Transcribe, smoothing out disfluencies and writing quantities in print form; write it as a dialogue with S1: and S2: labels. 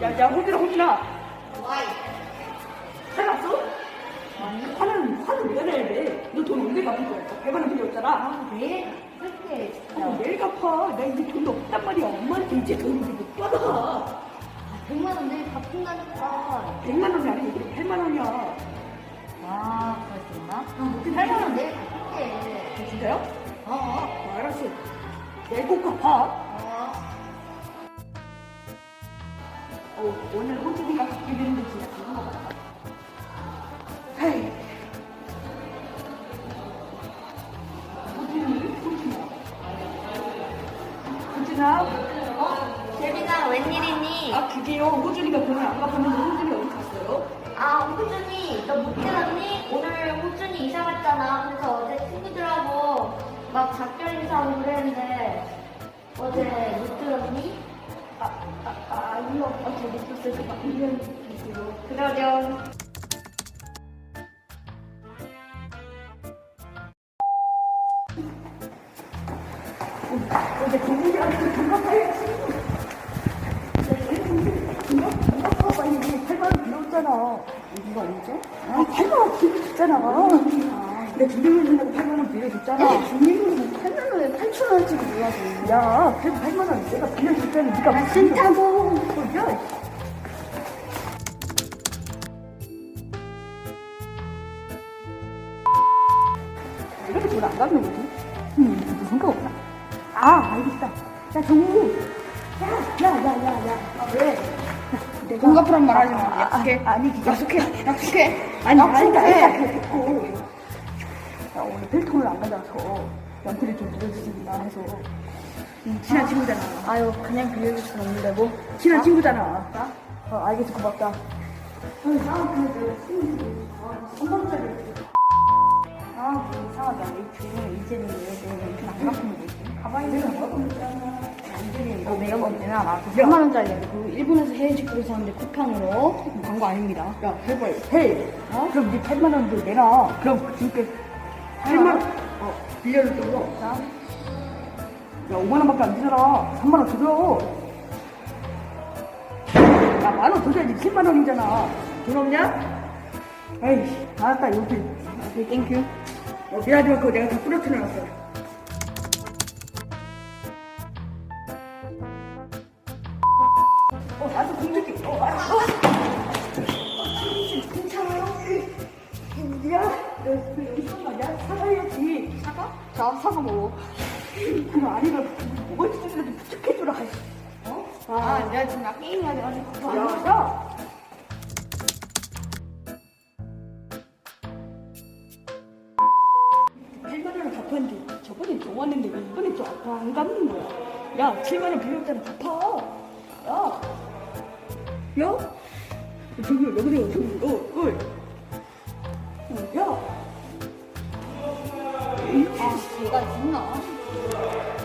S1: 야, 호진아.
S2: 와이.
S1: 살았어? 아니, 화는 왜 내야 돼? 너 돈 언제 갚을 거야? 100만 원 빌렸잖아.
S2: 아, 내일 갚을게, 진짜.
S1: 내일 갚아. 나 이제 돈도 없단 말이야. 엄마한테 이제 돈을 못 받아.
S2: 아, 100만 원 내일 갚는다니까.
S1: 100만 원이 아니고 8만 원이야.
S2: 아, 그랬었나? 8만 원 내일 갚을게.
S1: 진짜요?
S2: 어.
S1: 알았어. 내일 꼭 갚아. 오늘 호진이가 갚게 되는데 진짜 그런 거 같아. 헤이. 호진아.
S2: 재빈아, 웬일이니?
S1: 아, 그게요. 호준이가 돈을 안 갚았는데 호준이 어디 갔어요?
S2: 아, 호준이, 너 못 들었니? 오늘 호준이 이사 갔잖아. 그래서 어제 친구들하고 막 작별 인사하고 그랬는데 어제 못 들었니?
S1: 아니요. 어제 못 봤어요. 막 1년 됐어요.
S2: 그러렴.
S1: 어제 동물이한테 돈 갚아야지. 돈 갚아봐. 이게 8만 원 빌렸잖아.
S2: 네가 언제?
S1: 아, 8만 원 빌려줬잖아. 내가 준비물 준다고 8만 원 빌려줬잖아.
S2: 준비물은 8만 원에 8천 원짜리 몰라서.
S1: 야, 그래도 8만 원 내가 빌려줬잖아. 네가
S2: 아, 싫다고.
S1: 야, 이렇게 돈 안 갚는 거지? 무슨 생각 없나? 아, 알겠다. 야, 정우. 야. 아, 왜? 내가.
S2: 돈 갚으란 말 하지 마. 약속해.
S1: 아니, 그게.
S2: 약속해.
S1: 아니,
S2: 약속해.
S1: 알겠다. 됐고. 야, 오늘 필통을 안 가져와서 연필을 좀 빌려주신다 해서. 친한 친구잖아.
S2: 아유, 그냥 빌려줄 순 없는데 뭐.
S1: 친한 친구잖아. 알겠어. 고맙다. 아니, 나 근데 내가 친구들 3번짜리. 아, 뭐 이상하다. 이제는 왜 안 갚으면 되지? 가방에 내가 뭐 이제는
S2: 이거 내가 볼 때는 나 3만 원짜리 그 일본에서 해외직구를 샀는데 쿠팡으로 광고 아닙니다.
S1: 야, 제발, 헤이. 그럼 네 8만 원도 내놔. 그럼 지금까지 8만 원, 빌려줬어. 자. 야, 5만 원밖에 안 되잖아. 3만 원 더 줘. 야, 10,000원 더 줘야지. 10만 원이잖아. 돈 없냐? 에이씨, 알았다, 여기.
S2: 오케이, 땡큐.
S1: 미안하지만 그거 내가 다 부러뜨려놨어. 나도 공격해. 알았어. 괜찮아요? 야, 너 여기 사과냐? 사과해야지.
S2: 사과? 자, 사과 먹어.
S1: 그거 아니면 뭐가 있으면 부탁해주라.
S2: 내가 지금 나 게임해야 돼가지고.
S1: 야. $8만 원 갚았는데 저번에 좋았는데 왜 이번에 좀 안 갚는 거야? 야, 7만 원 빌렸잖아. 갚아. 야. 저기 왜 그래요? 저기. 야.
S2: 아, 얘가 있나?